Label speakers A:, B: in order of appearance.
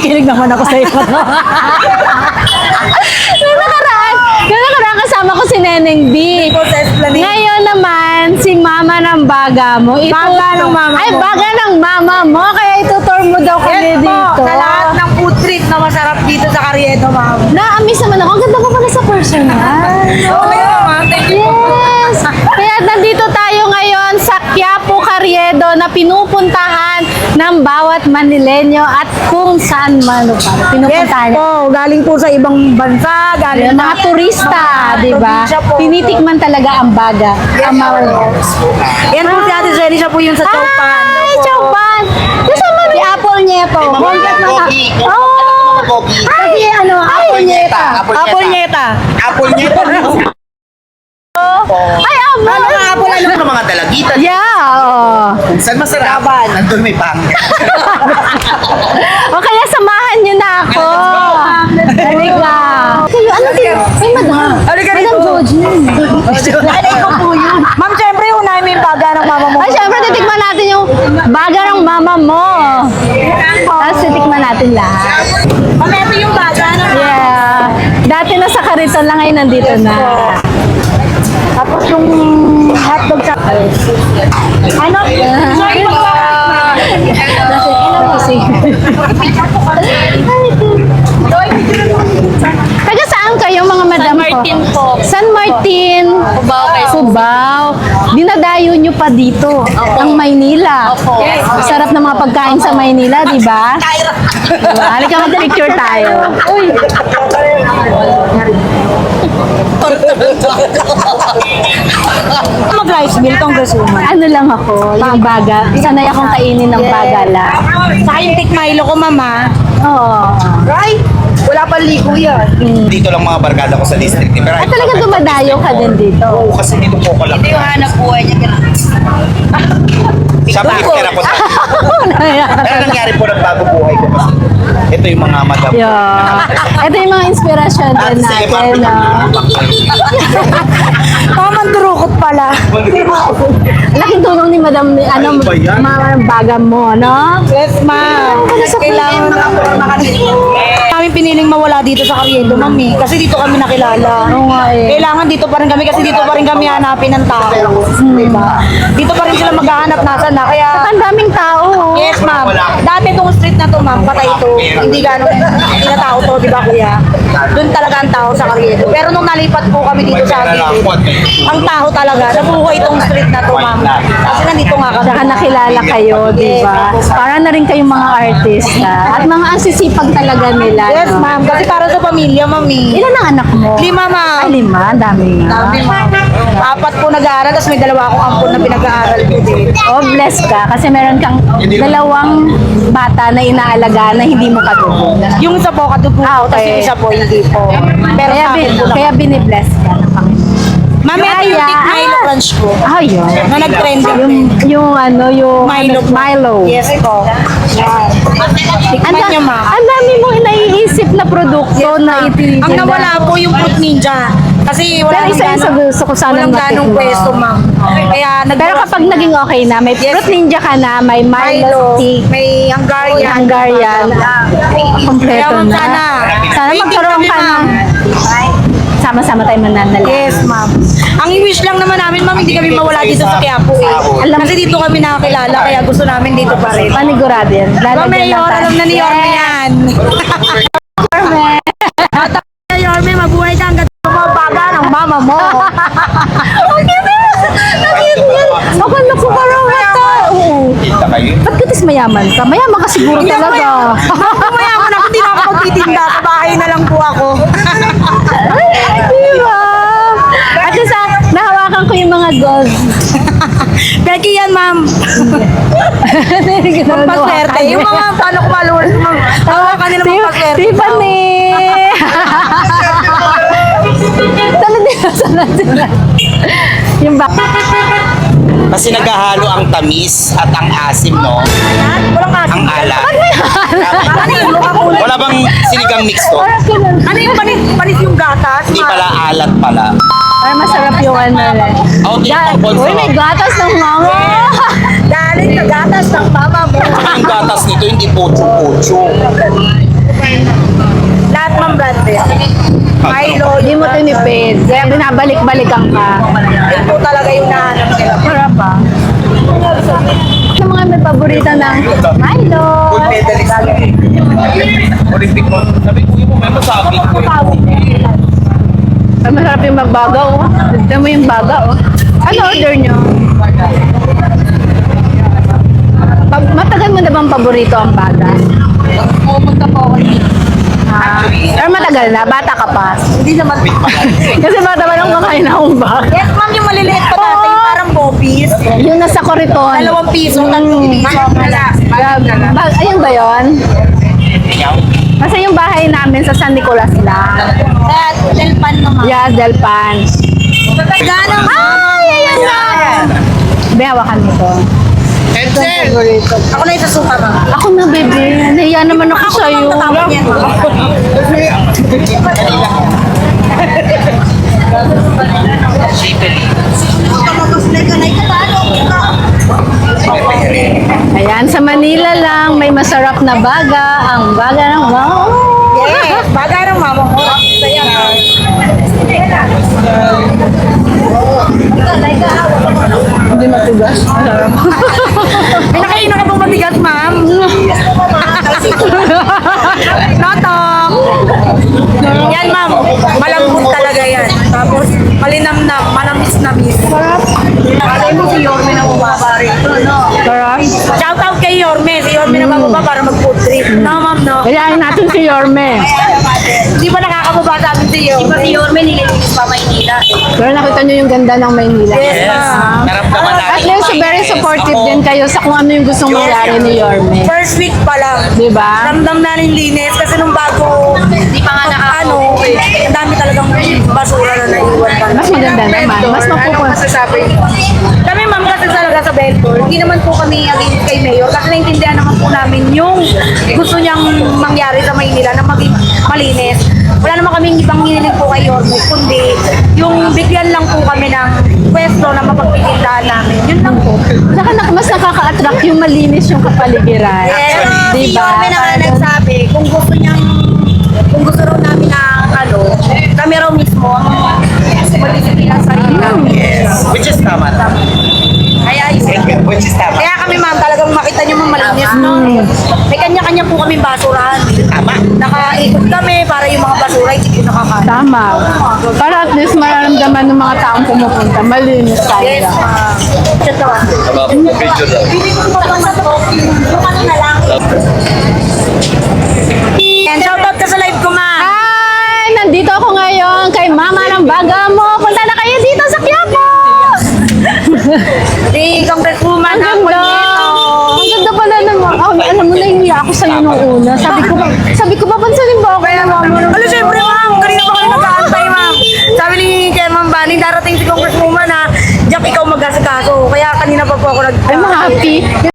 A: Nakikinig naman ako sa iyo. Yung nakaraan kasama ko si Neneng B. Ngayon naman, si Mama ng Baga mo.
B: Baga ng mama
A: Ay,
B: mo.
A: Baga ng Mama mo. Kaya itutour mo daw kami
B: Yes po,
A: dito.
B: sa lahat ng food trip na masarap dito sa Carriedo, ma'am.
A: Na-amaze naman ako. Ang ganda ko pala sa personal.
B: Okay, ma'am. Thank you.
A: Yes! Kaya nandito tayo ngayon sa Quiapo, Carriedo na pinupuntahan ng bawat Manileño at kung saan man
B: Yes
A: pinupuntahan.
B: po, galing po sa ibang bansa, galing
A: Yung mga turista, di ba?
B: probinsya po.
A: Tinitikman talaga ang Baga. Ang
B: Yan po si Ate Jenny, siya po yung sa Chowpan.
A: Ay, Chowpan! Kasama si Apple Nieto. Oh! Kasi ano, Apple Nieto.
B: Apple Nieta.
C: Apple niya ito.
A: Ay, Apple!
B: Ano nga Apple?
C: Ano ng mga dalagitan?
A: Yeah, oo.
C: Saan masarap? Nandun may pangit.
A: O kaya samahan niyo na ako. Halika. Kayo, ano din? Ay, madam.
B: Halika
A: Madam
B: rito.
A: Georgie.
B: Nanay ko po yun. Ma'am, syempre unahin mo yung baga ng mama mo.
A: Ay, syempre, titikman natin yung baga ng mama mo. Tapos titikman natin lahat.
B: Ma'am, ito yung baga ng
A: Yeah. Dati nasa Kariton lang, ngayon nandito na.
B: Tapos yung hotdog sa... Ano? Sorry po.
A: Taga saan kayo mga madam ko?
D: San Martin po.
A: San Martin.
D: Cubao, Quezon.
A: Cubao. Dinadayo nyo pa dito. Ang Maynila.
D: Opo.
A: Sarap ng mga pagkain sa Maynila, di ba? Diba? Halika mag-picture tayo. Uy.
B: Mag-rice meal, congresswoman.
A: Ano lang ako, yung baga. Sanay akong kainin ng baga lang.
B: Sa yung Tik Milo ko, mama.
A: Oo.
B: Right? Wala pang ligo yan.
C: Dito lang mga barkada ko sa district. Pero
A: At talaga dumadayo ka din dito.
C: Oo, kasi dito po ko lang.
B: Ito yung hanap buhay niya.
C: Siya partner ako sa... Pero nangyari po ng bago buhay ko kasi. Ito yung mga madam.
A: Yeah. Ito yung mga inspirasyon din
C: Sige,
A: natin.
B: Tamang durukot pala.
A: Laking tulong ni Madam ni ano,
C: Ay, ba yan?
A: mga baga mo, no?
B: Yes, ma'am. Kailangan kami piniling mawala dito sa Carriedo, mami. Kasi dito kami nakilala.
A: Oo nga eh.
B: Kailangan dito pa rin kami kasi dito pa rin kami hanapin ng tao. Diba? Dito pa rin sila maghahanap nasa na. Kaya,
A: Ang daming tao.
B: yes, ma'am. Dati itong street na to, ma'am, patay ito. Hindi hindi na tao to, di ba, kuya? Doon talaga ang tao sa Carriedo. Pero nung nalipat po kami dito sa Carriedo, ang tao talaga, nabuhay itong street na to, ma'am. Kasi nandito nga kami.
A: Saka nakilala kayo, di ba? Para na rin kayong mga artista. At mga asisipag talaga nila.
B: Yes,
A: no?
B: ma'am. Kasi para sa pamilya, mami.
A: Ilan ang anak mo?
B: 5, ma'am.
A: Ay, 5. Ang dami nga.
B: Sabi, ma'am. 4 po nag-aaral, tapos may 2 akong ampon na pinag-aaral ko din.
A: Oh, bless ka. Kasi meron kang 2 bata na inaalaga na hindi mo kadugo.
B: Yung isa po, kadugo.
A: Ah, okay.
B: Tapos yung isa po, hindi po. Pero
A: Kaya,
B: sa akin po
A: kaya binibless ka ng Panginoon.
B: Mami, ito yung Tik Milo Crunch ko.
A: Ah, yun.
B: Na nag-trending.
A: Yung ano, yung
B: Milo po.
A: Milo.
B: Yes po. Yan. Tikman niyo, ma'am.
A: Ang dami mong naiisip na produkto na ititinda.
B: Ang nawala po yung Fruit Ninja. Kasi wala
A: Pero isa-isa gusto ko sana
B: walang ganong
A: matikman.
B: pwesto, ma'am. Kaya
A: Pero kapag naging okay na, may
B: Yes.
A: fruit ninja ka na, may Milo stick,
B: may Hungarian.
A: Hungarian, kompleto
B: Kaya, ma'am,
A: na. Sana
B: Waiting
A: magkaroon
B: kami,
A: ka ng
B: ma'am.
A: sama-sama tayo mananala.
B: Yes, ma'am. Ang wish lang naman namin, ma'am, hindi kami mawala dito sa Quiapo eh. Kasi dito kami nakakilala, kaya gusto namin dito pa rin.
A: Panigurado yan.
B: Ma'am,
A: Lalagyan
B: Mayor,
A: tayo.
B: alam na ni Yorme
A: Yes.
B: yan.
A: Yorme.
B: Yorme, mabuhay ka hanggat mga baga ng mama mo.
A: Okay na. Nakit yan. Akala ko parang ito. Oo.
C: Kita kayo.
A: Ba't katis mayaman ka? Mayaman ka siguro talaga.
B: Mayaman ako, hindi na ako magtitinda. Sa bahay na lang po ako.
A: Diba? At sa nahawakan ko yung mga gold.
B: Becky yan, ma'am. Pampaswerte. Yung mga paano ko malulot, ma'am. Tawakan nila pampaswerte.
A: Tiffany! Sana. Yung ba?
C: Kasi naghahalo ang tamis at ang asim, no?
B: Walang kasi.
C: Ang alat.
B: Ano yung mukha ko?
C: Wala bang sinigang mix to?
B: Ano yung panis yung gatas?
C: Hindi pala alat pala.
A: Ay, masarap yung ano eh.
C: Okay, pangkol
A: Uy, may gatas ng mama!
B: Galing na gatas ng mama mo.
C: Ang gatas nito hindi pocho-pocho.
B: Lahat ng branded. Milo,
A: Hindi mo tinipid. Kaya binabalik-balikan ka.
B: yun po talaga yung nahanap nila.
A: Sarap ba? Sa mga may paborito ng Milo.
C: Gold medalist. Olympic mo. Sabi ko mo, may masabi ko.
A: Ay, masarap yung magbaga, oh. Tignan mo yung baga, oh. Ano order nyo? Matagal mo na bang paborito ang baga?
B: Pumunta po ako dito.
A: Pero matagal na, bata ka pa.
B: Hindi naman.
A: Kasi bata pa lang kumakain akong baga.
B: Yes, ma'am, yung maliliit pa natin, yung parang bopis.
A: Yung nasa Coriton.
B: 2 piso, 3 piso.
A: Ayun ba yun? Kasi yung bahay namin sa San Nicolas lang.
B: At Delpan naman.
A: Yeah, Delpan.
B: Ganang.
A: Ay, ayun na! Behawakan nito.
C: Edsel!
B: Ako na yung sasuka, ma'am.
A: Ako na, baby. Nahiya naman ako sa'yo.
B: Tatapon yan.
A: Ayan, sa Manila lang, may masarap na baga. Ang baga ng wow.
B: Yes, bagay ng mama ko. Saya na.
A: Hindi matigas.
B: Pinakain na ka pong mabigat, ma'am. Notong. Yan, ma'am. Malambot talaga yan. Tapos, malinamnam, manamis-namis. Sarap. Alay mo si Yorme na bumaba rito, no?
A: Sarap.
B: Shout out kay Yorme. Si Yorme na bumaba para mag-food trip. No, ma'am, no?
A: Kayain natin si Yorme.
B: Di ba nakakababa sa amin si Yorme? Di ba si Yorme nililinis pa Maynila?
A: Pero nakita nyo yung ganda ng Maynila.
B: Yes, ma'am.
C: Naramdaman
A: At
C: natin.
A: least very supportive din kayo sa kung ano yung gustong mangyari ni Yorme.
B: First week pa lang.
A: Diba?
B: Ramdam na rin linis kasi nung bago, di pa nga ano, ang dami talagang basura na naiwan pa.
A: Mas maganda naman. Mas mapupunta.
B: Kami ma'am kasi talaga sa Belfort, hindi naman po kami against kay Mayor kasi naintindihan naman po namin yung gusto niyang mangyari sa Maynila na maging malinis. Wala naman kaming ibang hiniling po kay Yorme, kundi yung bigyan lang po kami ng pwesto na mapagpipindahan namin. Yun lang po.
A: Saka mas nakaka-attract yung malinis yung kapaligiran.
B: Pero si
A: Diba?
B: Yorme na nga nagsabi, kung gusto raw namin na ano, kami raw mismo ang magdisiplina sa sarili namin.
C: Which is tama.
B: Kaya yun.
C: Which is tama.
B: Kaya kami ma'am, talagang makita niyo ma'am malinis, no? May kanya-kanya po kami basurahan.
C: Tama.
B: Nakaikot kami para yung mga basura hindi po nakakain.
A: Tama. Para at least mararamdaman ng mga taong pumupunta. Malinis
B: Yes,
A: tayo.
B: ma'am. Ito. Bili ko pa ba to? Yung ano na lang. And shoutout ka sa live ko, ma'am.
A: Hi! Nandito ako ngayon kay Mama ng Baga mo. Punta na kayo dito sa Quiapo!
B: Si Congresswoman
A: Ang ganda! Ang ganda pala naman. Oh, alam mo, nahihiya ako sa'yo nung una. Sabi ko, papansanin ba ako kaya Mama ng
B: Ano, syempre, ma'am. Kanina pa kami nag-aantay, ma'am. Sabi ni Chairman Bani, darating si Congresswoman na, Jack, ikaw mag-asikaso. Kaya kanina pa po ako
A: I'm happy.